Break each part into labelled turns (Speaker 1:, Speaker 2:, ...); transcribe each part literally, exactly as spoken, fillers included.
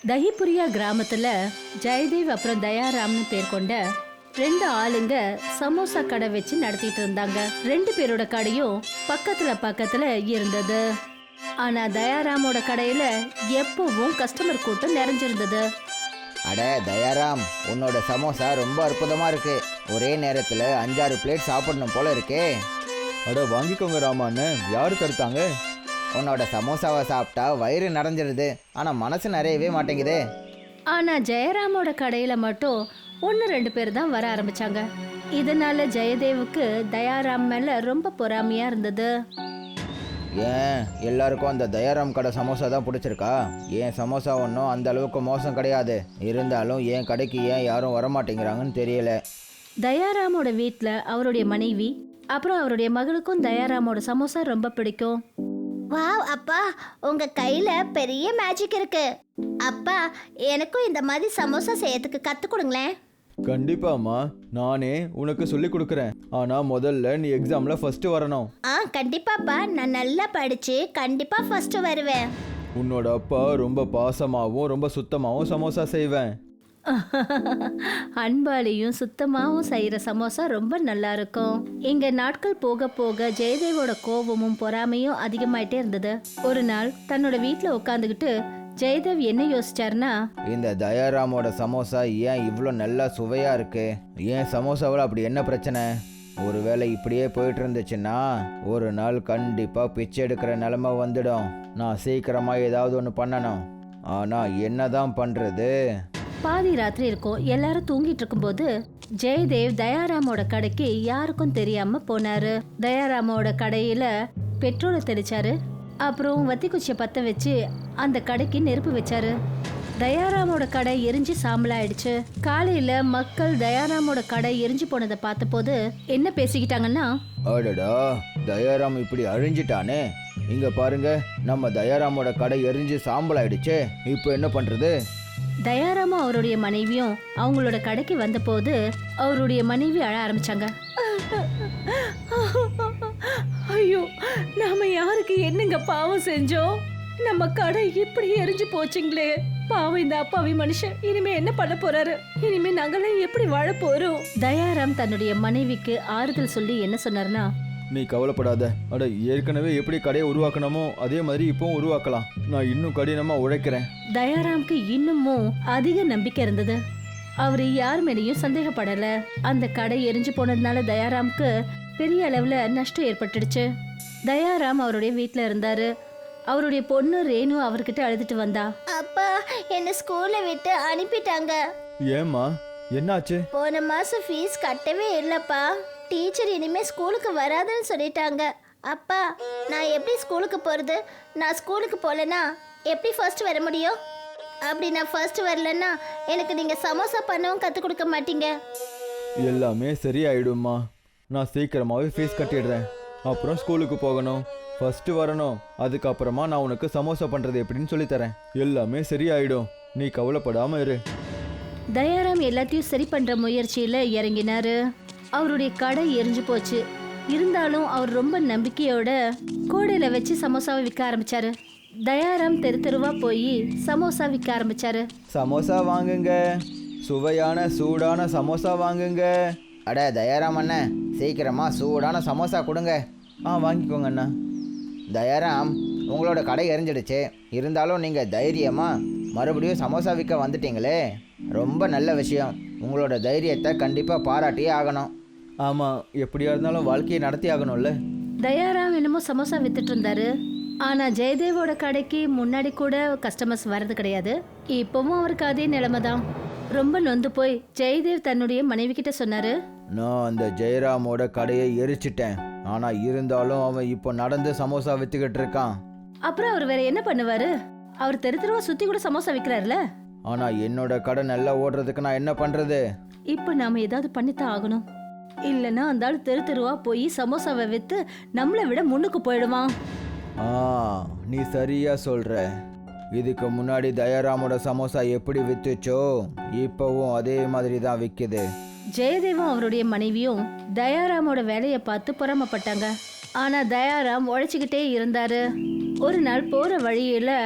Speaker 1: தஹிபுரியா கிராமத்துல ஜெயதேவ் அப்புறம் தயாராம்னு பேர் கொண்ட ரெண்டு ஆளுங்க சமோசா கடை வச்சு நடத்திட்டு இருந்தாங்க. ரெண்டு பேரோட கடையும் பக்கத்துல பக்கத்துல இருந்தது. ஆனா தயாராமோட கடையில எப்பவும் கஸ்டமர் கூட்டம் நிறைஞ்சிருந்தது.
Speaker 2: அட தயாராம், உன்னோட சமோசா ரொம்ப அற்புதமா இருக்கு. ஒரே நேரத்துல அஞ்சாறு பிளேட் சாப்பிடணும் போல இருக்கே.
Speaker 3: அட வாங்கிக்கோங்க ராமான்னு யாரு தடுத்தாங்க?
Speaker 2: உன்னோட சமோசாவை சாப்பிட்டா வயிறு நிறைஞ்சிருது, ஆனா மனசு நிறையவே மாட்டேங்குதே.
Speaker 1: ஆனா ஜெயராமோட கடையில மட்டும் ஒன்னு ரெண்டு பேர் தான் வர ஆரம்பிச்சாங்க. இதனால ஜெயதேவுக்கு தயாராம் மேல ரொம்ப பொறாமையா இருந்தது.
Speaker 2: ஏன் எல்லாருக்கும் அந்த தயாராம் கடை சமோசா தான் பிடிச்சிருக்கா? ஏன் சமோசா ஒன்றும் அந்த அளவுக்கு மோசம் கிடையாது. இருந்தாலும் என் கடைக்கு ஏன் யாரும் வரமாட்டேங்கிறாங்கன்னு தெரியல.
Speaker 1: தயாராமோட வீட்டில் அவருடைய மனைவி அப்புறம் அவருடைய மகளுக்கும் தயாராமோட சமோசா ரொம்ப பிடிக்கும்.
Speaker 4: வாவ் அப்பா, உங்க கையில பெரிய மேஜிக் இருக்கு. அப்பா, எனக்கும் இந்த மாதிரி சமோசா செய்யறதுக்கு கத்து கொடுங்களேன்.
Speaker 3: கண்டிப்பாம்மா, நானே உனக்கு சொல்லி கொடுக்குறேன். ஆனா முதல்ல நீ எக்ஸாம்ல ஃபர்ஸ்ட் வரணும்.
Speaker 4: ஆ கண்டிப்பாப்பா, நான் நல்லா படிச்சு கண்டிப்பா ஃபர்ஸ்ட் வருவேன்.
Speaker 3: உன்னோட அப்பா ரொம்ப பாசமாவும் ரொம்ப சுத்தமாவும் சமோசா செய்வேன்.
Speaker 1: அன்பாலையும் சுத்தமாகவும் செய்யற சமோசா ரொம்ப நல்லா இருக்கும். இங்க நாட்கள் போக போக ஜெயதேவோட கோபமும் பொறாமையும் அதிகமாயிட்டே இருந்தது. ஒரு நாள் தன்னோட வீட்டுல உட்காந்துக்கிட்டு ஜெயதேவ் என்ன யோசிச்சாருன்னா,
Speaker 2: இந்த தயாராமோட சமோசா ஏன் இவ்வளோ நல்லா சுவையா இருக்கு? ஏன் சமோசாவில் அப்படி என்ன பிரச்சனை? ஒருவேளை இப்படியே போயிட்டு இருந்துச்சுன்னா ஒரு நாள் கண்டிப்பா பிச்சை எடுக்கிற நிலைமை வந்துடும். நான் சீக்கிரமா ஏதாவது ஒன்று பண்ணணும். ஆனா என்னதான் பண்றது?
Speaker 1: பாதி ராத்திரி இருக்கும். எல்லாரும் தூங்கிட்டு இருக்கும்போது ஜெயதேவ் தயாராமோட கடைக்கு யாருக்கும் தெரியாம போனாரு. தயாராமோட கடையில பெட்ரோலை தெளிச்சாரு. அப்புறம் வத்தி குச்சியை பத்த வச்சு அந்த கடைக்கு நெருப்பு வச்சாரு. தயாராமோட கடை எரிஞ்சு சாம்பலாயிடுச்சு. காலையில மக்கள் தயாராமோட கடை எரிஞ்சு போனதை பார்த்த போது என்ன பேசிக்கிட்டாங்கன்னா,
Speaker 2: அடடா, தயாராம் இப்படி அழிஞ்சிட்டானே. இங்க பாருங்க, நம்ம தயாராமோட கடை எரிஞ்சு சாம்பல் ஆயிடுச்சு. இப்போ என்ன பண்றது?
Speaker 1: தயாராமும் அவருடைய மனைவியும் அவங்களோட கடைக்கு வந்த போது அவருடைய மனைவி அழ ஆரம்பிச்சாங்க. ஐயோ, நாம யாருக்கு என்னங்க பாவம் செஞ்சோம்? நம்ம கடை இப்படி எரிஞ்சு போச்சுங்களே. பாவம் இந்த அப்பாவி மனுஷன் இனிமே என்ன பண்ண போறாரு? இனிமே நாங்களாம் எப்படி வாழ போறோம்? தயாராம் தன்னுடைய மனைவிக்கு ஆறுதல் சொல்லி என்ன சொன்னார்னா,
Speaker 3: நீ கவலைப்படாத. அட ஏற்கனவே எப்படி கடையை உருவாக்கணுமோ அதே மாதிரி இப்பவும் உருவாக்கலாம். நான் இன்னும் கடினமா உழைக்கிறேன்.
Speaker 1: தயாராம்க்கு இன்னமும் அதிக நம்பிக்கை இருந்தது. அவரு யார் மேலேயும் சந்தேகப்படல. அந்த கடை எரிஞ்சு போனதுனால தயாராம்க்கு பெரிய அளவுல நஷ்டம் ஏற்பட்டுடுச்சு. தயாராம் அவருடைய வீட்டுல இருந்தாரு. அவருடைய பொண்ணு ரேணு அவர்கிட்ட அழுதுட்டு வந்தா.
Speaker 4: அப்பா, என்ன ஸ்கூல்ல விட்டு அனுப்பிட்டாங்க.
Speaker 3: ஏம்மா, என்னாச்சு?
Speaker 4: போன மாசம் ஃபீஸ் கட்டவே இல்லப்பா. டீச்சர் இனிமே ஸ்கூலுக்கு வராதுன்னு சொல்லிட்டாங்க. அப்பா, நான் எப்படி ஸ்கூலுக்கு போறது? நான் ஸ்கூலுக்கு போகலன்னா எப்படி ஃபர்ஸ்ட் வர முடியும்? அப்படி நான் ஃபர்ஸ்ட் வரலன்னா எனக்கு நீங்க சமோசா பண்ணவும் கற்றுக் கொடுக்க மாட்டீங்க.
Speaker 3: எல்லாமே சரியாயிடும்மா. நான் சீக்கிரமாவே ஃபீஸ் கட்டிடுறேன். அப்புறம் ஸ்கூலுக்கு போகணும், ஃபர்ஸ்ட் வரணும். அதுக்கப்புறமா நான் உனக்கு சமோசா பண்றது எப்படின்னு சொல்லித்தரேன். எல்லாமே சரியாயிடும், நீ கவலைப்படாம இரு.
Speaker 1: தயாராம் எல்லாத்தையும் சரி பண்ற முயற்சியில இறங்கினாரு. அவருடைய கடை எரிஞ்சு போச்சு. இருந்தாலும் அவர் ரொம்ப நம்பிக்கையோட கோடையில வச்சு சமோசாவை விற்க ஆரம்பிச்சாரு. தயாராம் தெரு தெருவா போய் சமோசா விற்க ஆரம்பிச்சாரு.
Speaker 3: சமோசா வாங்குங்க, சுவையான சூடான சமோசா வாங்குங்க.
Speaker 2: அட தயாராம் அண்ணன், சீக்கிரமா சூடான சமோசா கொடுங்க.
Speaker 3: ஆ வாங்கிக்கோங்க அண்ணா.
Speaker 2: தயாராம், உங்களோட கடை எரிஞ்சிடுச்சு. இருந்தாலும் நீங்கள் தைரியமாக மறுபடியும் சமோசா விற்க வந்துட்டீங்களே, ரொம்ப நல்ல விஷயம். உங்களோட தைரியத்தை கண்டிப்பாக பாராட்டியே ஆகணும்.
Speaker 3: ஆமாம், எப்படியா இருந்தாலும் வாழ்க்கையை நடத்தி ஆகணும்ல.
Speaker 1: தயாராம் என்னமோ சமோசா வித்துட்டு இருந்தாரு. ஆனா ஜெயதேவோட கடைக்கு முன்னாடி கூட கஸ்டமர்ஸ் வர்றது கிடையாது. இப்பவும் அவருக்கு அதே நிலைமை தான். ரொம்ப நொந்து போய் ஜெயதேவ் தன்னுடைய மனைவி கிட்ட சொன்னாரு,
Speaker 2: நான் அந்த ஜெயராமோட கடையை எரிச்சிட்டேன். ஆனால் இருந்தாலும் அவன் இப்போ நடந்து சமோசா விற்றுக்கிட்டு இருக்கான்.
Speaker 1: அப்புறம் அவர் வேற என்ன பண்ணுவாரு? அவர் தெரு தெருவா சுத்தி கூட சமோசா விற்கிறாருல.
Speaker 2: ஆனால் என்னோட கடை நல்லா ஓடுறதுக்கு நான் என்ன பண்ணுறது?
Speaker 1: இப்போ நாம ஏதாவது பண்ணித்தான் ஆகணும். இல்லைன்னா அந்த ஆள் தெரு தெருவா போய் சமோசாவை வித்து நம்மளை விட முன்னுக்கு போயிடுவான்.
Speaker 2: ஆ, நீ சரியா சொல்ற. இதுக்கு முன்னாடி தயாராமோட சமோசா எப்படி வித்துச்சோ இப்போவும் அதே மாதிரி தான் விற்குது.
Speaker 1: ஜெயதேவும் அவருடைய மனைவியும் தயாராமோட வேலையை பார்த்து பொறாமப்பட்டாங்க. ஆனா தயாராம் உழைச்சிக்கிட்டே இருந்தாரு. ஒரு நாள் போற வழியில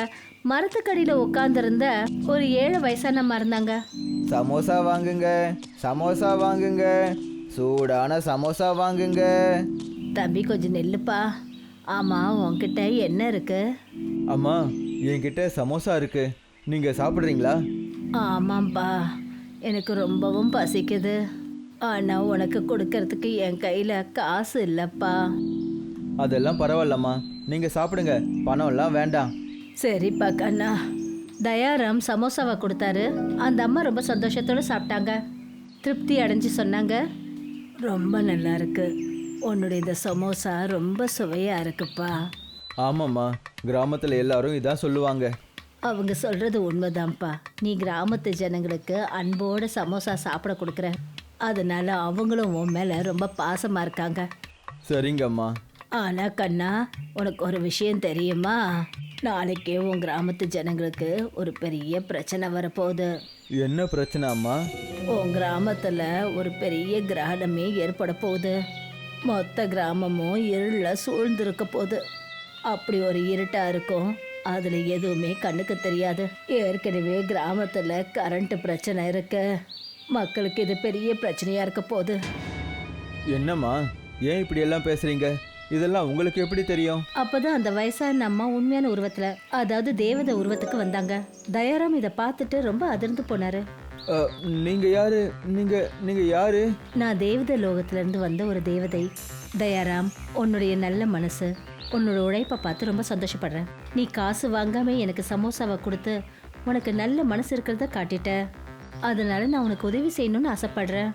Speaker 1: மரத்துக்கடியில உட்கார்ந்திருந்த ஒரு ஏழு வயசானம்மா இருந்தாங்க.
Speaker 2: சமோசா வாங்குங்க, சமோசா வாங்குங்க, சூடான சமோசா வாங்குங்க.
Speaker 1: தம்பி கொஞ்சம் நெல்லுப்பா. ஆமா, உன்கிட்ட என்ன இருக்கு?
Speaker 3: அம்மா, என்கிட்ட சமோசா இருக்கு, நீங்க சாப்பிட்றீங்களா?
Speaker 1: ஆமாம்ப்பா, எனக்கு ரொம்பவும் பசிக்குது. ஆனா உனக்கு கொடுக்கறதுக்கு என் கையில காசு இல்லப்பா.
Speaker 3: அதெல்லாம் பரவாயில்லம்மா, நீங்க சாப்பிடுங்க, பணம்லாம் வேண்டாம்.
Speaker 1: சரிப்பா கண்ணா. தயாராம் சமோசாவை கொடுத்தாரு. அந்த அம்மா ரொம்ப சந்தோஷத்தோட சாப்பிட்டாங்க. திருப்தி அடைஞ்சு சொன்னாங்க, ரொம்ப நல்லா இருக்கு, உன்னுடைய இந்த சமோசா ரொம்ப சுவையா இருக்குப்பா.
Speaker 3: ஆமாம்மா, கிராமத்தில் எல்லாரும் இதான் சொல்லுவாங்க.
Speaker 1: அவங்க சொல்றது உண்மைதான்ப்பா. நீ கிராமத்து ஜனங்களுக்கு அன்போட சமோசா சாப்பிட கொடுக்குற, அதனால அவங்களும் உன் மேல ரொம்ப பாசமா இருக்காங்க.
Speaker 3: சரிங்கம்மா.
Speaker 1: ஆனா கண்ணா, உனக்கு ஒரு விஷயம் தெரியுமா? நாளைக்கே உன் கிராமத்து ஜனங்களுக்கு ஒரு பெரிய பிரச்சனை வரப்போகுது.
Speaker 3: என்ன பிரச்சனை அம்மா?
Speaker 1: உன் கிராமத்துல ஒரு பெரிய கிரகணமே ஏற்பட போகுது. மொத்த கிராமமும் இருள சூழ்ந்திருக்க போகுது. அப்படி ஒரு இருட்டா இருக்கும், அதுல எதுவுமே கண்ணுக்கு தெரியாது. ஏற்கனவே கிராமத்துல கரண்ட் பிரச்சனை இருக்கு. மக்களுக்கு இது பெரிய பிரச்சனையா இருக்க போகுது.
Speaker 3: என்னம்மா, ஏன் இப்படி எல்லாம் பேசுறீங்க? இதெல்லாம் உங்களுக்கு எப்படி தெரியும்?
Speaker 1: அப்பதான் அந்த வயசான அம்மா உண்மையான உருவத்துல, அதாவது தேவதை உருவத்துக்கு வந்தாங்க. தயாராம் இதை பார்த்துட்டு ரொம்ப அதிர்ந்து போனாரு.
Speaker 3: அ, நீங்க யாரு? நீங்க நீங்க யாரு?
Speaker 1: நான் தேவதை லோகத்துல இருந்து வந்த ஒரு தேவதை. தயாராம், உன்னுடைய நல்ல மனசு, உன்னோட உழைப்பை பார்த்து ரொம்ப சந்தோஷப்படுறேன். நீ காசு வாங்காம எனக்கு சமோசாவை கொடுத்து உனக்கு நல்ல மனசு இருக்கிறத காட்டிட்ட. அதனால நான் உனக்கு உதவி செய்யணும்னு ஆசைப்படுறேன்.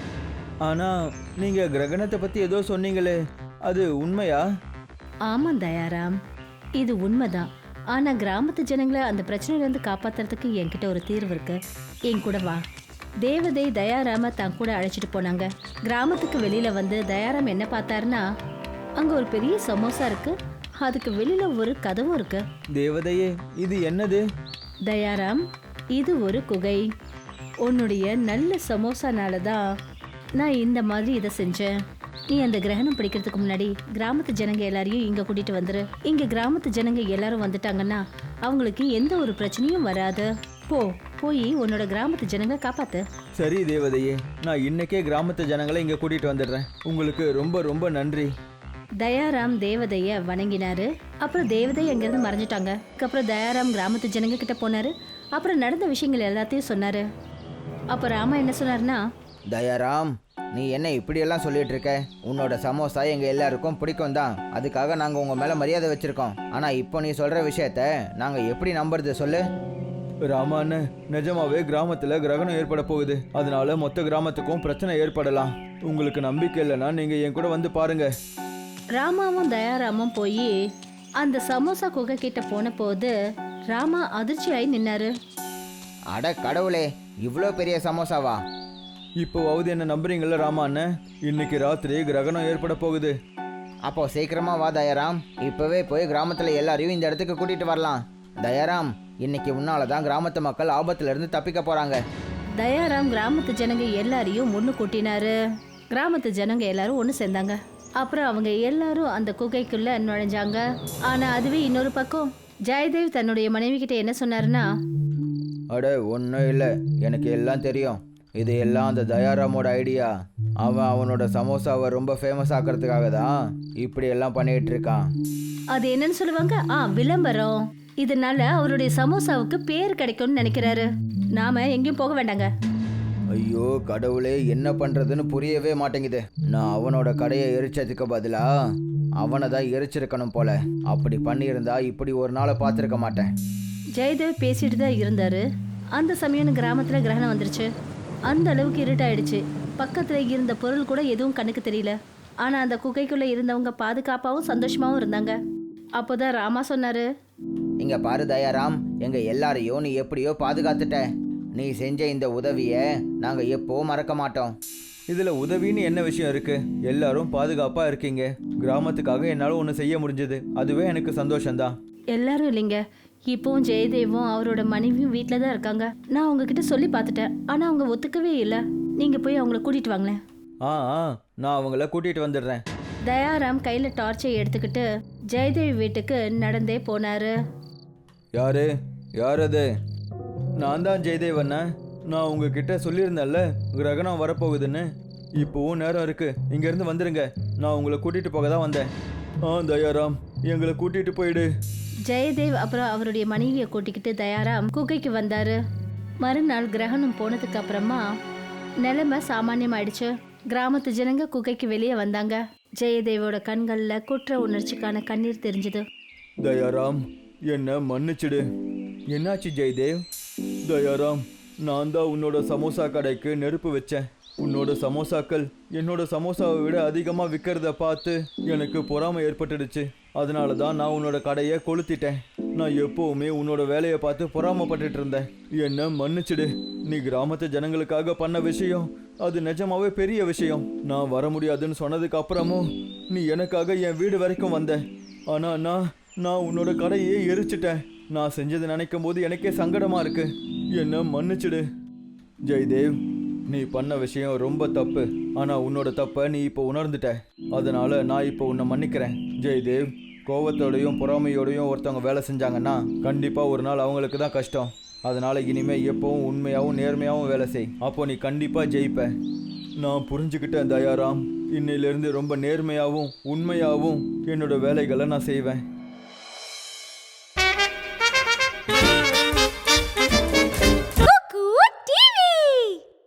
Speaker 3: ஆனா நீங்க கிரகணத்தை பத்தி ஏதோ சொன்னீங்களே, அது உண்மையா?
Speaker 1: ஆமாம் தயாராம், இது உண்மைதான். ஆனா கிராமத்து ஜனங்களை அந்த பிரச்சனையில இருந்து காப்பாத்துறதுக்கு என்கிட்ட ஒரு தீர்வு இருக்கு. என் கூட வா. தேவதை தயாராம தான் கூட அழைச்சிட்டு போனாங்க. கிராமத்துக்கு வெளியில வந்து தயாராம் என்ன பார்த்தாருன்னா, அங்க ஒரு பெரிய சமோசா இருக்கு, அதுக்கு வெளியில ஒரு கதவும் இருக்கு.
Speaker 3: தேவதையே, இது என்னது?
Speaker 1: தயாராம், இது ஒரு குகை. உன்னுடைய நல்ல சமோசானால தான் நான் இந்த மாதிரி இதை செஞ்சேன். நீ அந்த கிரகணம் பிடிக்கிறதுக்கு முன்னாடி கிராமத்து ஜனங்க எல்லாரையும் இங்க கூட்டிட்டு வந்துரு. இங்க கிராமத்து ஜனங்க எல்லாரும் வந்துட்டாங்கன்னா அவங்களுக்கு எந்த ஒரு பிரச்சனையும் வராது. போ, போய் உன்னோட கிராமத்து ஜனங்க காப்பாத்து.
Speaker 3: சரி தேவதையே, நான் இன்னைக்கே கிராமத்து ஜனங்களை இங்க கூட்டிட்டு வந்துடுறேன். உங்களுக்கு ரொம்ப ரொம்ப நன்றி.
Speaker 1: தயாராம் தேவதைய வணங்கினாரு. அப்புறம் தேவதை அங்கிருந்து மறைஞ்சிட்டாங்க. அப்புறம் தயாராம் கிராமத்து ஜனங்க கிட்ட போனாரு. அப்புறம் நடந்த விஷயங்கள் எல்லாத்தையும் சொன்னாரு. அப்ப ராமா என்ன சொன்னாருன்னா,
Speaker 2: தயாராம், நீ என்ன இப்படியெல்லாம் சொல்லிட்டு இருக்க? உன்னோட சமோசா எங்கள் எல்லாருக்கும் பிடிக்கும் தான், அதுக்காக நாங்கள் உங்கள் மேலே மரியாதை வச்சுருக்கோம். ஆனால் இப்போ நீ சொல்கிற விஷயத்த நாங்கள் எப்படி நம்புறது சொல்லு?
Speaker 3: ராமான்னு, நிஜமாவே கிராமத்துல கிரகணம் ஏற்பட போகுது. அதனால மொத்த கிராமத்துக்கும் பிரச்சனை ஏற்படலாம். உங்களுக்கு நம்பிக்கை இல்லைன்னா நீங்க என் கூட வந்து பாருங்க.
Speaker 1: ராமாவும் தயாராமும் போய் அந்த சமோசா குகை கிட்ட போன போது ராமா அதிர்ச்சியாகி நின்னாரு.
Speaker 2: அட கடவுளே, இவ்வளோ பெரிய சமோசாவா?
Speaker 3: இப்போவாவது என்ன நம்புறீங்களா ராமான்னு? இன்னைக்கு ராத்திரி கிரகணம் ஏற்பட போகுது.
Speaker 2: அப்போ சீக்கிரமா வா தயாராம், இப்போவே போய் கிராமத்தில் எல்லாரையும் இந்த இடத்துக்கு கூட்டிகிட்டு வரலாம். தயாராம், இன்னைக்கு உன்னால தான் கிராமத்து மக்கள் ஆபத்துலேருந்து தப்பிக்க போகிறாங்க.
Speaker 1: தயாராம் கிராமத்து ஜனங்க எல்லாரையும் ஒன்று கூட்டினாரு. கிராமத்து ஜனங்க எல்லாரும் ஒன்று சேர்ந்தாங்க. அப்புறம் அவங்க எல்லாரும் அந்த குகைக்குள்ள நுழைஞ்சாங்க. ஆனா அதுவே இன்னொரு பக்கம் ஜெயதேவ் தன்னுடைய மனைவி கிட்ட என்ன சொன்னாருன்னா,
Speaker 2: அட ஒன்றும் இல்லை, எனக்கு எல்லாம் தெரியும். இது எல்லாம் அந்த தயாராமோட ஐடியா. அவன் அவனோட சமோசாவை ரொம்ப ஃபேமஸ் ஆக்கிறதுக்காக தான் இப்படி எல்லாம் பண்ணிட்டு இருக்கான்.
Speaker 1: அது என்னன்னு சொல்லுவாங்க, ஆ விளம்பரம். இதனால அவருடைய சமோசாவுக்கு பேர் கிடைக்கும்னு நினைக்கிறாரு. நாம எங்கேயும் போக வேண்டாங்க.
Speaker 2: ஐயோ கடவுளே, என்ன பண்ணுறதுன்னு புரியவே மாட்டேங்குது. நான் அவனோட கடையை எரிச்சதுக்கு பதிலா அவனை தான் எரிச்சிருக்கணும் போல. அப்படி பண்ணியிருந்தா இப்படி ஒரு நாளை பார்த்துருக்க மாட்டேன்.
Speaker 1: ஜெயதேவ் பேசிட்டு தான் இருந்தாரு. அந்த சமயம் கிராமத்துல கிரகணம் வந்துருச்சு. அந்த அளவுக்கு இருட்டாயிடுச்சு. பக்கத்துல இருந்த பொருள் கூட எதுவும் கண்ணுக்கு தெரியல. ஆனா அந்த குகைக்குள்ள இருந்தவங்க பாதுகாப்பாகவும் சந்தோஷமாவும் இருந்தாங்க. அப்போதான் ராமா சொன்னாரு,
Speaker 2: இங்க பாரு தயாராம், எங்க எல்லாரையும் நீ எப்படியோ பாதுகாத்துட்ட. நீ செஞ்ச இந்த உதவியை நாங்க எப்பவும் மறக்க மாட்டோம்.
Speaker 3: இதுல உதவின்னு என்ன விஷயம் இருக்கு? எல்லாரும் பாதுகாப்பா இருக்கீங்க. கிராமத்துக்காக என்னால ஒன்று செய்ய முடிஞ்சது, அதுவே எனக்கு சந்தோஷம்தான்.
Speaker 1: எல்லாரும் இல்லைங்க, இப்போவும் ஜெயதேவும் அவரோட மனைவியும் வீட்டில் தான் இருக்காங்க. நான் உங்ககிட்ட சொல்லி பார்த்துட்டேன், ஆனால் அவங்க ஒத்துக்கவே இல்லை. நீங்கள் போய் அவங்கள கூட்டிகிட்டு வாங்களேன்.
Speaker 3: ஆ ஆ, நான் அவங்கள கூட்டிட்டு வந்துடுறேன்.
Speaker 1: தயாராம் கையில் டார்ச்சை எடுத்துக்கிட்டு ஜெயதேவி வீட்டுக்கு நடந்தே போனாரு.
Speaker 3: யாரு யார் அது? நான் தான் ஜெயதேவ் அண்ணன். நான் உங்ககிட்ட சொல்லியிருந்தேன்ல கிரகணம் வரப்போகுதுன்னு. இப்போவும் நேரம் இருக்கு, இங்கேருந்து வந்துடுங்க. நான் உங்களை கூட்டிகிட்டு போக தான் வந்தேன். ஆ தயாராம், எங்களை கூட்டிகிட்டு போயிடு.
Speaker 1: ஜெயதேவ் அப்புறம் அவருடைய மனைவியை கூட்டிக்கிட்டு தயாராம் குகைக்கு வந்தாரு. மறுநாள் கிரகணம் போனதுக்கு அப்புறமா நிலைமை சாமானியமாயிடுச்சு. கிராமத்து ஜனங்க குகைக்கு வெளியே வந்தாங்க. ஜெயதேவோட கண்கள்ல குற்ற உணர்ச்சிக்கான கண்ணீர் தெரிஞ்சது.
Speaker 3: தயாராம், என்ன மன்னிச்சிடு. என்னாச்சு ஜெயதேவ்? தயாராம், நான் தான் உன்னோட சமோசா கடைக்கு நெருப்பு வச்சேன். உன்னோட சமோசாக்கள் என்னோட சமோசாவை விட அதிகமாக விற்கிறத பார்த்து எனக்கு பொறாமை ஏற்பட்டுடுச்சு. அதனால தான் நான் உன்னோட கடையை கொளுத்திட்டேன். நான் எப்போவுமே உன்னோட வேலையை பார்த்து பொறாமப்பட்டுட்டு இருந்தேன். என்ன மன்னிச்சிடு. நீ கிராமத்து ஜனங்களுக்காக பண்ண விஷயம் அது நிஜமாவே பெரிய விஷயம். நான் வர முடியாதுன்னு சொன்னதுக்கு அப்புறமும் நீ எனக்காக என் வீடு வரைக்கும் வந்த. ஆனால் நான் நான் உன்னோட கடையே எரிச்சிட்டேன். நான் செஞ்சது நினைக்கும் போது எனக்கே சங்கடமா இருக்கு. என்ன மன்னிச்சிடு. ஜெயதேவ், நீ பண்ண விஷயம் ரொம்ப தப்பு. ஆனால் உன்னோட தப்பை நீ இப்போ உணர்ந்துட்ட. அதனால நான் இப்போ உன்னை மன்னிக்கிறேன். ஜெயதேவ், கோவத்தோடையும் பொறாமையோடையும் ஒருத்தவங்க வேலை செஞ்சாங்கன்னா கண்டிப்பாக ஒரு நாள் அவங்களுக்கு தான் கஷ்டம். அதனால இனிமேல் எப்பவும் உண்மையாகவும் நேர்மையாகவும் வேலை செய். அப்போ நீ கண்டிப்பாக ஜெயிப்ப. நான் புரிஞ்சுக்கிட்டேன் தயாராம். இன்னையிலேருந்து ரொம்ப நேர்மையாகவும் உண்மையாகவும் என்னோட வேலைகளை நான் செய்வேன்.